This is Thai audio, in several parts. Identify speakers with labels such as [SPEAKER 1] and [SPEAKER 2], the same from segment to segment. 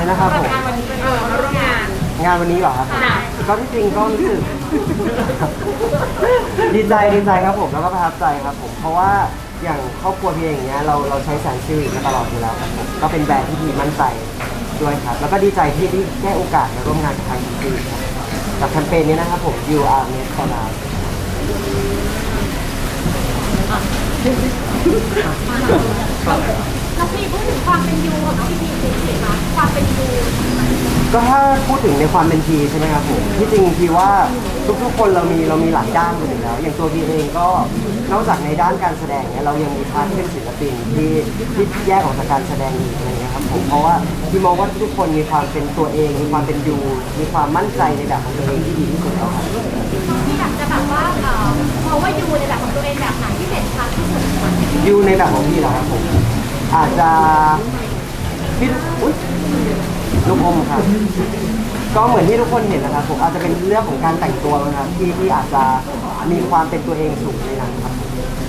[SPEAKER 1] นะครับผม
[SPEAKER 2] งานวันนี้เป็นมาร่วมงาน
[SPEAKER 1] งานวันนี้เหรอครับก็ที่จริงก็รู้สึก ดีใจครับผมแล้วก็ประทับใจครับผมเพราะว่าอย่างครอบครัวพี่เองเนี้ยเราใช้แสนซิลิมาตลอดอยู่แล้วครับผมก็เป็นแบรนด์ที่พี่มั่นใจด้วยครับแล้วก็ดีใจที่ได้โอกาสมาร่วมงานกับทางซีกับแคมเปญนี้นะครับผม You Are Made for Life
[SPEAKER 3] น้องพีพูดถึงความเป็นยูของน้องพีสิคะความเป็นยู
[SPEAKER 1] ก็ถ้าพูดถึงในความเป็นทีใช่ไหมครับผมที่จริงพี่ว่าทุกๆคนเรามีหลายด้านกันอยู่แล้วอย่างตัวพี่เองก็นอกจากในด้านการแสดงเนี่ยเรายังมีพาร์ทที่เป็นศิลปินที่แยกออกจากการแสดงอีกอะไรเงี้ยครับผมเพราะว่าพี่มองว่าทุกคนมีความเป็นตัวเองมีความเป็นยูมีความมั่นใจในแบบของตัวเองที่ดีที่สุดแล้วครับ
[SPEAKER 3] ที่อยากจะแบบว่าเพราะว่ายูในแบบของตัวเองแบบไหนที่เด่นชัดที่สุดคะ
[SPEAKER 1] ยูในแบบของพี่เหรอครับผมอาจจะพี่อุ๊ยลูกอมครับก็เหมือนที่ทุกคนเห็นนะครับผมอาจจะเป็นเรื่องของการแต่งตัวนะครับที่อาจจะมีความเป็นตัวเองสูงในนั้นครับ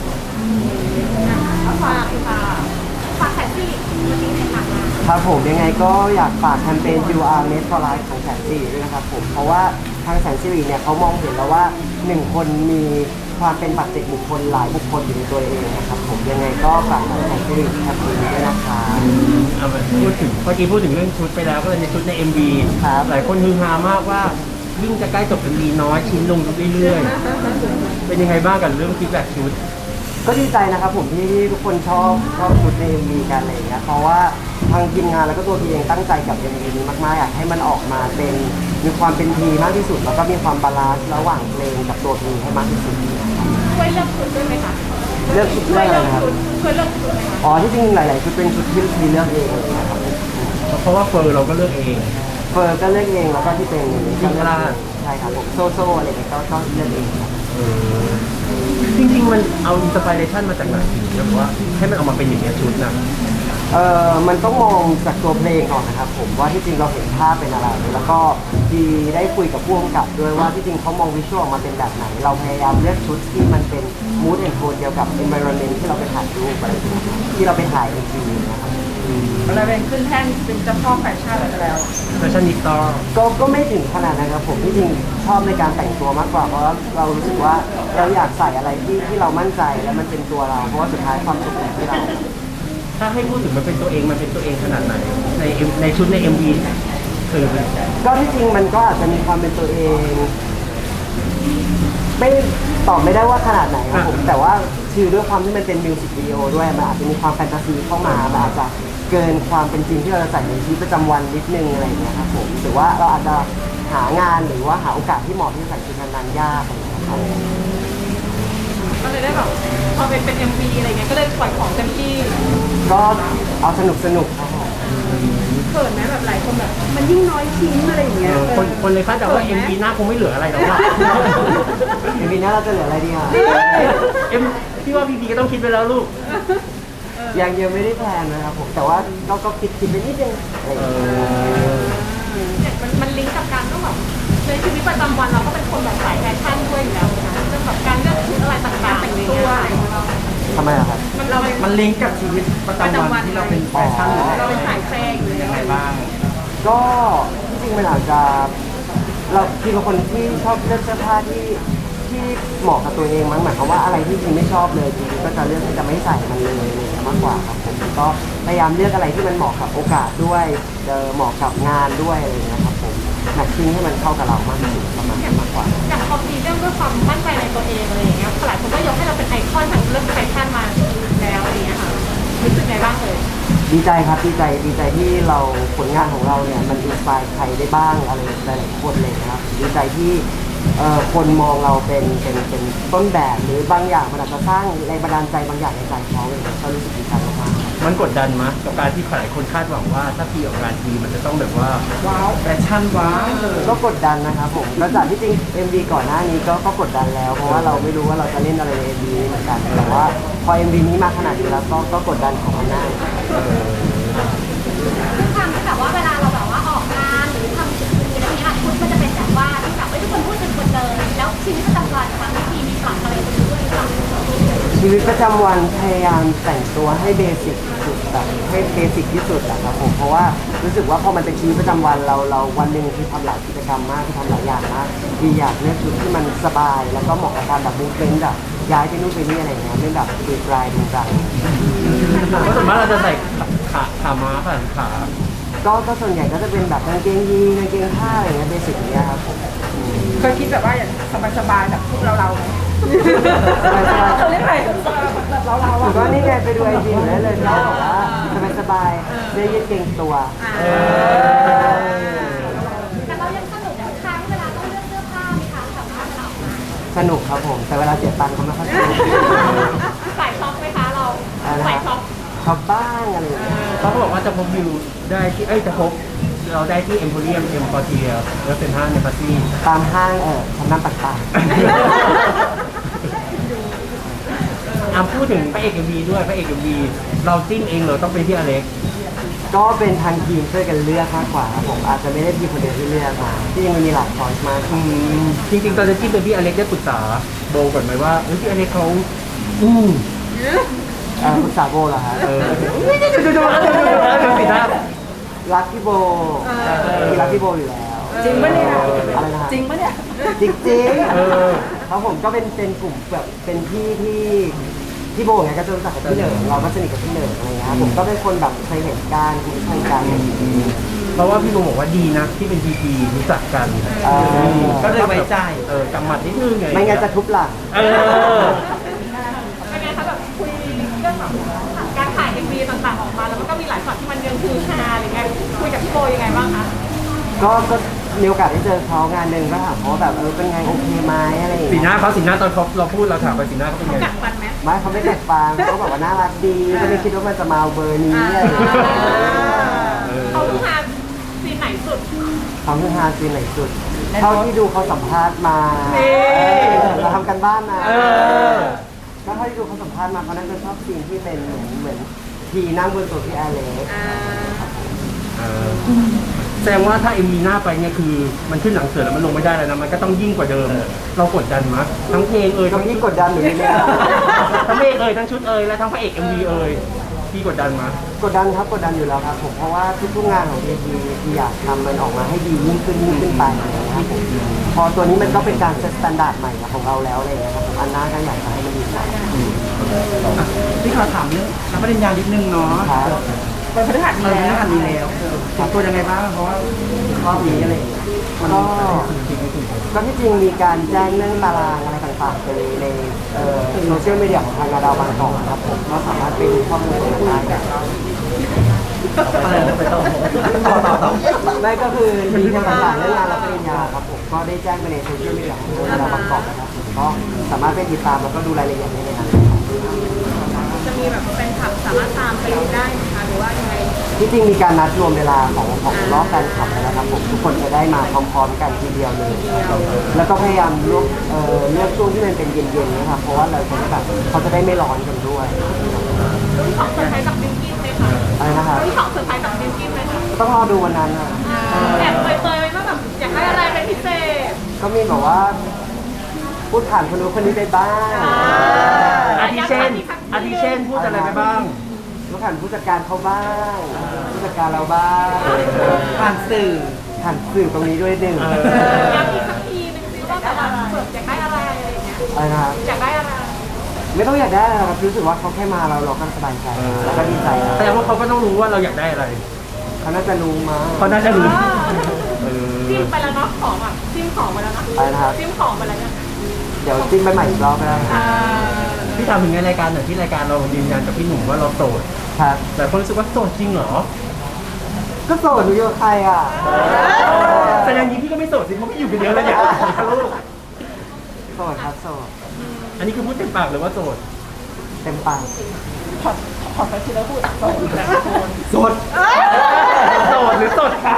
[SPEAKER 3] ฝากแผนที่วันนี้ในทางงาน
[SPEAKER 1] ครับผมยังไงก็อยากฝากแคมเปญ You Are Made for Life ของแสนสิริด้วยนะครับผมเพราะว่าทางแสนสิริเนี่ยเขามองเห็นแล้วว่า1คนมีความเป็นปัจเจกบุคคลหลายบุคคลอยู่ในตัวเองนะครับผมยังไงก็ฝากทางแสนสิริแคมเปญนี้ด้วยนะครับ
[SPEAKER 4] เอามาพูดถึงเมื่อกี้พูดถึงเรื่องชุดไปแล้วก็เลยในชุดใน MV
[SPEAKER 1] ครับ
[SPEAKER 4] หลายคนฮือฮามากว่ายิ่งจะใกล้จบ MV น้อยชิ้นลงเรื่อยๆเป็นยังไงบ้างกับเรื่องฟีดแบ็กชุด
[SPEAKER 1] ก็ดีใจนะครับผมที่ทุกคนชอบชุดใน MV กันอะไรอย่างเงี้ยเพราะว่าทางทีมงานแล้วก็ตัวพี่เองตั้งใจกับ MV นี้มากๆอยากให้มันออกมาเป็นมีความเป็นทีมากที่สุดแล้วก็มีความบาลานซ์ระหว่างเพลงกับตัวพีให้มากที่สุด
[SPEAKER 3] ช่วยเลือกชุดด้วยไหมคะ
[SPEAKER 1] เลือกชุด
[SPEAKER 3] ช่
[SPEAKER 1] เลื
[SPEAKER 3] ว
[SPEAKER 1] อย กอะไร
[SPEAKER 3] เลือก
[SPEAKER 1] นะครับ
[SPEAKER 3] ชุดช่วยเลือกชุดไหมคะ
[SPEAKER 1] อ๋อที่จริงหลายๆชุดเป็นชุดที่พีเลือกเองเลยนะครับ
[SPEAKER 4] เพราะว่าเฟอร์เราก็เลือกเอง
[SPEAKER 1] เฟิร์นก็เลือกเองแล้วก็ที่เป็นก็เลือก
[SPEAKER 4] ลา
[SPEAKER 1] เอ
[SPEAKER 4] ด
[SPEAKER 1] งใช่ครับผมโซ่อะไรเงี้ยก็เลือกเองครับ
[SPEAKER 4] จริงๆมันเอาอินสปิเรชันมาจากไหนถึงแบบว่าให้มันออกมาเป็นอย่างนี้ยชุดนะ
[SPEAKER 1] มันต้องมองจากตัวเพลงก่อนนะครับผมว่าที่จริงเราเห็นภาพเป็นอะไรแล้วก็ดีได้คุยกับผู้กำกับด้วยว่าที่จริงเขามองวิชวลออกมาเป็นแบบไหน เราพยายามเลือกชุดที่มันเป็น mood and tone เดียวกับ environment ที่เราไปถ่ายรูปอะไรอย่างเงี้ยที่เราไปถ่ายในทีนะครับ
[SPEAKER 2] อะไรเป็นขึ้นแท่นเป็นเจ้าพ่อแฟชั่นอะไรแล้ว
[SPEAKER 4] แฟชั่นนิสตอร์
[SPEAKER 1] ก็ไม่ถึงขนาดนั้นครับผมที่จริงชอบในการแต่งตัวมากกว่าเพราะว่าเรารู้สึกว่าเราอยากใส่อะไรที่เรามั่นใจและมันเป็นตัวเราเพราะว่าสุดท้ายความสุขอยู่ที่เรา
[SPEAKER 4] ถ้าให้พูดถึงมันเป็นตัวเองขนาดไหนในชุดใน MV คือ
[SPEAKER 1] ก็ที่จริงมันก็อาจจะมีความเป็นตัวเอง ไม่ตอบไม่ได้ว่าขนาดไหนครับผมแต่ว่าคือด้วยความที่มันเป็นมิวสิกวิดีโอด้วยมันอาจจะมีความแฟนตาซีเข้ามามันอาจจะเกินความเป็นจริงที่เราจะใส่ในชีวิตประจำวันนิดนึงอะไรอย่างเงี้ยครับผมหรือว่าเราอาจจะหางานหรือว่าหาโอกาสที่เหมาะที่จะใส่ชุดนั้นๆยากอะไรอย่างเงี้ยครับ
[SPEAKER 2] ก็เลยได้แบบพอเป็น MV อะไรเงี้ยก็เลยปล่อยของเต็มที่
[SPEAKER 1] ก็เอาสนุกครับผม
[SPEAKER 2] เขินไหมแบบหลายคนแบบมันยิ่งน้อยชิ้นอะไรอย่างเงี้ย
[SPEAKER 4] คนเลยคาดเดาว่า MV หน้าคงไม่เหลืออะไรแล้วอะ
[SPEAKER 1] เอ็มวีหน้าเราจะเหลืออะไรดีอ่ะ
[SPEAKER 4] เอ็มพี่ว่าพีก็ต้องคิดไปแล้วลูก
[SPEAKER 1] ยังไม่ได้แพลนนะครับผมแต่ว่าก็คิดไปนิดนึงอะไรอย่างเงี้ย
[SPEAKER 3] เนี่ยมันลิงก์กับการต้องแบบในชีวิตประจำวันเราก็เป็นคนแบบสายแฟชั่นด้วยอยู่แล้วนะเรื่องแบบการเลือกชุดอะไรต่างๆแต่งตัวอะไรอย่างเงี้ย
[SPEAKER 1] ทำไมล่ะครับ
[SPEAKER 4] มันลิงก์กับชีวิตประจำวันที่เราเป็นแฟชั่นหรือ
[SPEAKER 2] เราเป็นสายแฟร์อยู่แล้ว
[SPEAKER 4] อะไรบ้าง
[SPEAKER 1] ก็ที่จริงมันอาจจะเราคือเป็นคนที่ชอบเลือกเสื้อผ้าที่เหมาะกับตัวเองมั้งหมายความว่าอะไรที่จริงไม่ชอบเลยจริงๆก็จะเลือกที่จะไม่ใส่มันเลยอะไรอย่างเงี้ยมากกว่าครับผมก็พยายามเลือกอะไรที่มันเหมาะกับโอกาสด้วยเหมาะกับงานด้วยอะไรอย่างเงี้ยครับผมแมทชิ่งให้มันเข้ากับเรามากที่สุดประมาณนั้นมากกว่า
[SPEAKER 3] อย่างพอมีเรื่องด้วยความมั่นใจในตัวเองอะไรอย่างเงี้ยหลายคนก็ยกให้เราเป็นไอคอนทางเรื่องแฟชั่นมาแล้วอะไรอย่างเงี้ยค่ะรู้สึกไงบ้างเลย
[SPEAKER 1] ดีใจครับดีใจที่เราผลงานของเราเนี่ยมันอินสปายใครได้บ้างอะไรหลายๆคนเลยนะครับดีใจที่คนมองเราเป็นต้นแบบหรือบางอย่างมันอาจจะสร้างแรงบันดาลใจบางอย่างในใจเขาเลยก็รู้สึกดีใจมากๆ
[SPEAKER 4] มันกดดันมั้ยกับการที่หลายคนคาดหวังว่าถ้าพี่ออกงานทีมันจะต้องแบบว่าว้าวแฟชั่นว้าว
[SPEAKER 1] ก็กดดันนะครับผมแล้วจากที่จริง MV ก่อนหน้านี้ก็กดดันแล้วเพราะว่าเราไม่รู้ว่าเราจะเล่นอะไรใน MV นี้เหมือนกันแต่ว่าพอ MV นี้มาขนาดนี้แล้วก็กดดันของมันหน้า
[SPEAKER 3] ทุกครั้งที่แบบว่าเวลาเราแบบว่าออกงานหรือทำกิจกรรมอะไรอย่างเงี้ยชุดมันจะเป็นแบบว่าที่แบบทุกคนพูดถึงหมดเลยแล้วชีวิตประจำวันบางทีมีปรับอะไรไปด้วยหรือเปล่า
[SPEAKER 1] ชีวิตประจำวันพยายามแต่งตัวให้เบสิกสุดแบบให้เบสิกที่สุดอะครับผมเพราะว่ารู้สึกว่าพอมันเป็นชีวิตประจำวันเราวันหนึ่งคือทำหลายกิจกรรมมากคือทำหลายอย่างมากที่อยากเลือกชุดที่มันสบาย แล้วก็เหมาะกับการแบบมูฟเมนต์แบบย้ายไปนู่นไปนี่อะไรอย่างเงี้ยไม่แบบดูดรายดูรัง
[SPEAKER 4] เพราะส่วนมากเราจะใส่ขาม้าขา
[SPEAKER 1] ก็ส่วนใหญ่ก็จะเป็นแบบกางเกงยีนกางเกงผ้าอะไรอย่างเงี้ยเบสิกอย่างเงี้ยครับผม
[SPEAKER 3] เคยคิดแบบว่าอย่างสบายๆแบบพวกเราไหม
[SPEAKER 1] สบายๆ
[SPEAKER 3] เขาเรียกอะไรแบบเรา
[SPEAKER 1] ถื
[SPEAKER 3] อ่ะ
[SPEAKER 1] อว่านี่ไงไปดูไอจีได้เลยเขาบอกว่าสบายๆเสื้อยืดเกงตัว
[SPEAKER 3] แต่เรายังสนุกทุกครั้งเวลาต้องเลือกเสื้อผ้าไหมคะสำหรับเรา
[SPEAKER 1] สนุกครับผม แต่เวลาเสียตังค์ก็ไม่ค่อยสนุก
[SPEAKER 3] สายช็อปไหมคะเราสายช็อป
[SPEAKER 1] ชอบบ้างอะไรอย่างเงี้ย
[SPEAKER 4] เขาบอกว่าจะพบวิวได้ที่จะพบเราได้ที่เอ็มโพเรียมเอ็มพอเทียแล้วเป็นห้างในปาร์ตี้
[SPEAKER 1] ตามห้างชั้นนำต่าง
[SPEAKER 4] พูดถึงพระเอกเอ็มวีด้วยพระเอกเอ็มวีเราจิ้มเองเหรอต้องเป็นพี่อเล็ก
[SPEAKER 1] ๆก็เป็นทางทีมช่วยกันเลือกมากกว่าครับผมอาจจะไม่ได้พี่คนเดียวที่เลือกมาที่มันมีหลายช้อยส์มาก
[SPEAKER 4] จริงๆตอนจะจิ้มเป็นพี่อเล็กได้ปรึกษาโบก่อนไหมว่าพี่อเล็กเขา
[SPEAKER 1] ปรึกษาโบเหรอฮะ
[SPEAKER 4] สีหน้า
[SPEAKER 1] รักพี่โบมีรักพี่โบอยู่แล้ว
[SPEAKER 3] จริงปะเนี่ย
[SPEAKER 1] อะไรนะฮะ
[SPEAKER 3] จริงปะเนี่ย
[SPEAKER 1] จริงๆครับผมก็เป็นกลุ่มแบบเป็นพี่ที่โบไงก็จะรู้จักกับพี่เหนิงเราก็สนิทกับพี่เหนิงอะไรเงี้ยครับผมก็เป็นคนแบบเคยเห็นการคุ้นเคยกัน
[SPEAKER 4] เพราะว่าพี่โบบอกว่าดีนะที่เป็นพีพีรู้จักกันก็เลยไว้ใจกำหมัดนิดนึงไง
[SPEAKER 1] ไม่งั้นจะทุบหลัง
[SPEAKER 3] เป็นไงคะแบบคุยเรื่องแบบการถ่าย MV ต่างๆออกมาแล้วมันก็มีหลายช็อตที่มันยังคือฮาอะไรเงี้ยคุยกับพี่โบยังไงบ้างคะ
[SPEAKER 1] ก็มีโอกาสได้เจอเขางานหนึ่งก็ถามเขาว่าแบบเป็นไงโอเคไหมอะไรอย่าง
[SPEAKER 4] สี
[SPEAKER 1] เงี้ย
[SPEAKER 4] หน้าเขาสีหน้าตอนเราพูดเราถามไปสีหน้าเขาเป็นไง
[SPEAKER 3] กัดฟันไหม
[SPEAKER 1] ไม่เขาไม่แตกฟังเขาบอกว่าน่ารักดีก็ไม่คิดว่ามันจะมาเบอร์นี้อะไรอย่างเงี้ย
[SPEAKER 3] เขาคือฮาซีนไหนสุด
[SPEAKER 1] เขาคือฮาซีนไหนสุดเท่าที่ดูเขาสัมภาษณ์มาเราทำกันบ้านนะก็เท่าที่ดูเขาสัมภาษณ์มาเขาน่าจะชอบซีนที่เป็นเหมือนทีนั่งบนตัวพี่แอเล็ก
[SPEAKER 4] แสดงว่าถ้าเอ็มวีหน้าไปเนี่ยคือมันขึ้นหนังเสือแล้วมันลงไม่ได้แล้วนะมันก็ต้องยิ่งกว่าเดิม เรากดดันมั้ยทั้งเพลง
[SPEAKER 1] ก็
[SPEAKER 4] ทั้ง
[SPEAKER 1] พี่กดดันหนูนี่เนี่ย
[SPEAKER 4] ทั้งเพลงทั้งชุดและทั้งพระเอกเอ็มวีพี่กดดันมั้ย
[SPEAKER 1] กดดันครับกดดันอยู่แล้วครับผมเพราะว่าทุกๆงานของทีอยากทำมันออกมาให้ดียิ่งขึ้นไปอะไรอย่างเงี้ยครับผมพอตัวนี้มันก็เป็นการเซตมาตรฐานใหม่ของเราแล้วอะไรอย่างเงี้ยครับผมอันหน้าก็อยากจะให้มันดีกว่า
[SPEAKER 5] พี่ขอถามเรื่องรับปริญญานิดนึงเนาะ
[SPEAKER 1] ครับ
[SPEAKER 3] เป็นพฤหัส
[SPEAKER 5] เออไม่ทันมีแล้วเตรียมตัวยังไงบ้างเพราะว่า
[SPEAKER 1] รอบนี้อะไรอย่างเงี้ยก็ที่จริงมีการแจ้งเรื่องตารางอะไรต่างๆไปในโซเชียลมีเดียของทางดาวบางกอกนะครับผมก็สามารถไปดูข้อมูลได้ครับ
[SPEAKER 5] อะไรนะไปต่อ
[SPEAKER 1] ไม่ก็คือมีเรื่องต่างๆเรื่องงานรับปริญญาครับผมก็ได้แจ้งไปในโซเชียลมีเดียของทางดาวบางกอกนะครับผมก็สามารถไปติดตามแล้วก็ดูรายละเอียดได้ในนั้น
[SPEAKER 3] จะมีแบบเป็นขับสามารถตามไปดูได้ไหมคะหรือว่ายังไง
[SPEAKER 1] ที่จริงมีการนัดรวมเวลาของรอบการขับแล้วนะครับผมทุกคนจะได้มาพร้อมๆกันทีเดียวเลยแล้วก็พยายามเลือกช่วงที่มันเป็นเย็นๆนะครับเพราะว่าเราจะได้แบบเขาจะได้ไม่ร้อนกันด้วย
[SPEAKER 3] รุ่นของเซอร์ไพรส์กับบิวกิ้นไหมคะ
[SPEAKER 1] อะไรนะครับ
[SPEAKER 3] รุ่นของเซอร์ไพรส์กับบิวกิ้นไหมคะ
[SPEAKER 1] ต้องรอดูวันนั้นนะ
[SPEAKER 3] แอบเปยๆไว้ว่าแบบอยากได้อะไรเป็นพิเศษ
[SPEAKER 1] ก็มีแบบว่าพูดผ่านคนนู้นคนนี้ได้บ้าง
[SPEAKER 4] อาทิเช่นพูดอะไรไปบ้าง
[SPEAKER 1] พูดผ่านผู้จัดการเขาบ้างผู้จัดการเราบ้าง
[SPEAKER 5] ผ่านสื่อ
[SPEAKER 1] ผ่านสื่อตรงนี้ด้วยหนึ่ง
[SPEAKER 3] ย้ำอีกสักทีนึงซิว่าแต่ละแบบอยากได้อะไรอะไรอย่างเงี้ย
[SPEAKER 1] อะไรนะครับ
[SPEAKER 3] อยากได้อะไร
[SPEAKER 1] ไม่ต้องอยากได้อะไรครับรู้สึกว่าเขาแค่มาเราก็สบายใจแล้วก็ดีใจแล้ว
[SPEAKER 4] แสดงว่าเขาก็ต้องรู้ว่าเราอยากได้อะไร
[SPEAKER 1] เขาน่าจะรู้มา
[SPEAKER 4] เขาน่าจะรู้
[SPEAKER 3] ซิมไปแล้วเนาะของอ่ะซิมของไปแล้วเนาะ
[SPEAKER 1] อะไรนะครับ
[SPEAKER 3] ซิมของไปแล้วเนี่ย
[SPEAKER 1] เดี๋ยวจิ้มไปใหม่อีกรอบก็ได้
[SPEAKER 4] พี่ถามถึงในรายการหน่อยที่รายการเรายืนยันกับพี่หนุ่มว่าเราโสด
[SPEAKER 1] ครับ
[SPEAKER 4] แต่คนรู้สึกว่าโสดจริงเหรอ
[SPEAKER 1] ก็โสดหนูอยู่กับใครอ่ะ
[SPEAKER 4] แสดงนี้พี่ก็ไม่โสดสิเพราะพี่อยู่คนเดียวแล้วเนี่ยลูก
[SPEAKER 1] โสดครับโสด
[SPEAKER 4] อันนี้คือพูดเต็มปากหรือว่าโสด
[SPEAKER 1] เต็มปาก
[SPEAKER 3] ขอไปทีละพูด
[SPEAKER 4] โสดโสดหรือโสดคะ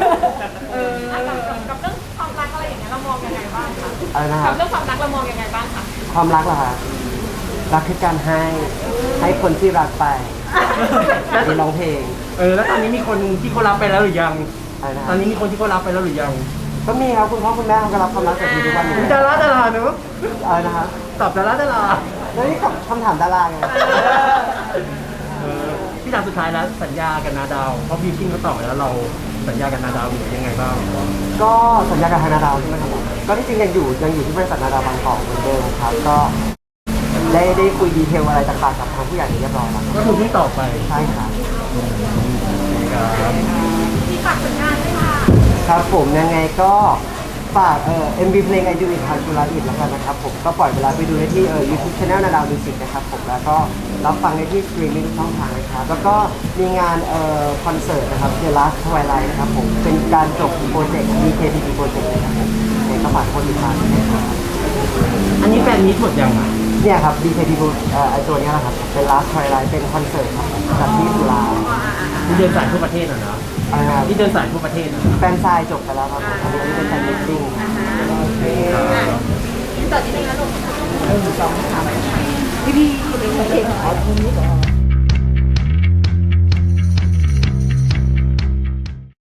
[SPEAKER 3] กับเรื่องความรักอะไรอย่างเงี้ยเรามองยังไงบ้างคะ
[SPEAKER 1] อะไรนะค
[SPEAKER 3] กั
[SPEAKER 1] รั
[SPEAKER 3] บบ เรื่องความรักเรามองยังไงบ้างคะ
[SPEAKER 1] ความรักเหรอคะรักคือการให้คนที่รักไปมีร้องเพลง
[SPEAKER 4] แล้วตอนนี้มีคนที่เขารับไปแล้วหรือยัง
[SPEAKER 1] อะไรนะ
[SPEAKER 4] ตอนนี้มีคนที่เขารับไปแล้วหรือยัง
[SPEAKER 1] ก็มีครับคุณพ่อคุณแม่เขาก็รับความรักจากทีทุกวันอยู่
[SPEAKER 4] ดา
[SPEAKER 1] แล้ว
[SPEAKER 4] ราเนอะ
[SPEAKER 1] อะไรนะครับ
[SPEAKER 4] ตอบดารา
[SPEAKER 1] แล้วนี่คำถามดาราไง
[SPEAKER 4] พี่ถามสุดท้ายแล้วสัญญากับนาดาวเพราะบิวกิ้งเขาตอบไปแล้วเราสัญญากับนาดาวอยู่ยังไงบ้าง
[SPEAKER 1] ก็สัญญากับทางนาดาวใช่ไหมครับผมก็ที่จริงยังอยู่ที่บริษัทนาดาวบางกอกเหมือนเดิมครับก็ได้คุยดีเทลอะไรต่างๆกับทางผู้ใหญ่เรียบร้อยแล้ว
[SPEAKER 4] ก็คือเพิ่งตอบไป
[SPEAKER 1] ใช่ครับ
[SPEAKER 4] ครับ
[SPEAKER 3] ที่ฝากผลงานด้วยค่ะ
[SPEAKER 1] ครับผมยังไงก็ฝากMV เพลง I Do It How to Love It แล้วกันนะครับผมก็ปล่อยเวลาไปดูได้ที่YouTube Channel นาดาวมิวสิกนะครับผมแล้วก็รับฟังได้ที่สตรีมมิ่งช่องทางนะครับแล้วก็มีงานคอนเสิร์ตนะครับ The Last Twilight นะครับผมเป็นการจบโปรเจกต์ BKTP โปรเจกต์นะครับผมในกระฝากคนติดตามด้วยนะครับ
[SPEAKER 4] อันนี้แฟนมีตหมดยังอ่ะ
[SPEAKER 1] เนี่ยครับ BKTP ไอตัวเนี้ยแหละครับเป็น Last Twilight เป็นคอนเสิร์ตครับจัดที่จุฬา
[SPEAKER 4] ที่เดินสายทั่วประเทศอ่ะนะ
[SPEAKER 1] อะไรนะครับ
[SPEAKER 4] ที่เดินสายทั่วประเทศอ่ะ
[SPEAKER 1] แฟนซายจบไปแล้วครับผมอันนี้เป็นแฟนมิตติ้ง
[SPEAKER 3] อินเตอร์นิดนึงนะลูก
[SPEAKER 5] พี่ขอตรงนี้ก่อน